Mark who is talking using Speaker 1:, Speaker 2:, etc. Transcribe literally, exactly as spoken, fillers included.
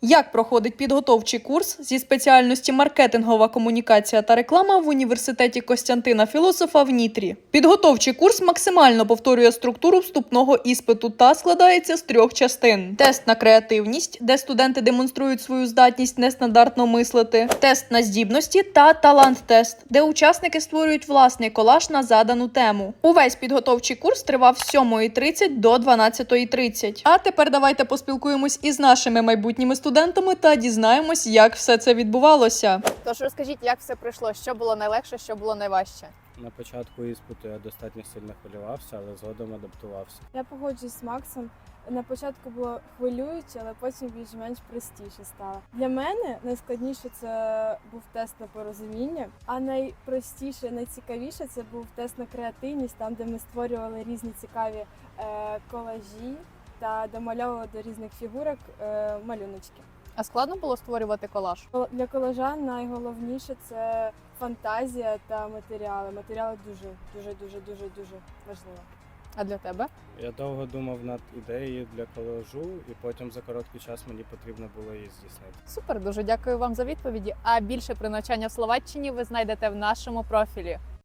Speaker 1: Як проходить підготовчий курс зі спеціальності маркетингова комунікація та реклама в університеті Костянтина Філософа в Дніпрі? Підготовчий курс максимально повторює структуру вступного іспиту та складається з трьох частин. Тест на креативність, де студенти демонструють свою здатність нестандартно мислити, тест на здібності та талант-тест, де учасники створюють власний колаж на задану тему. Увесь підготовчий курс тривав з сьомої тридцять до дванадцятої тридцять. А тепер давайте поспілкуємось із нашими майбутніми студентами та дізнаємось, як все це відбувалося.
Speaker 2: Тож розкажіть, як все пройшло, що було найлегше, що було найважче?
Speaker 3: На початку іспиту я достатньо сильно хвилювався, але згодом адаптувався.
Speaker 4: Я погоджуюсь з Максом. На початку було хвилююче, але потім більш-менш простіше стало. Для мене найскладніше це був тест на порозуміння, а найпростіше, найцікавіше це був тест на креативність, там де ми створювали різні цікаві е, колажі та домальовували до різних фігурок е, малюночки.
Speaker 2: А складно було створювати колаж?
Speaker 4: Для колажа найголовніше це фантазія та матеріали. Матеріали дуже, дуже, дуже, дуже, дуже важливо.
Speaker 2: А для тебе?
Speaker 3: Я довго думав над ідеєю для колажу, і потім за короткий час мені потрібно було її здійснити.
Speaker 2: Супер, дуже дякую вам за відповіді. А більше про навчання в Словаччині ви знайдете в нашому профілі.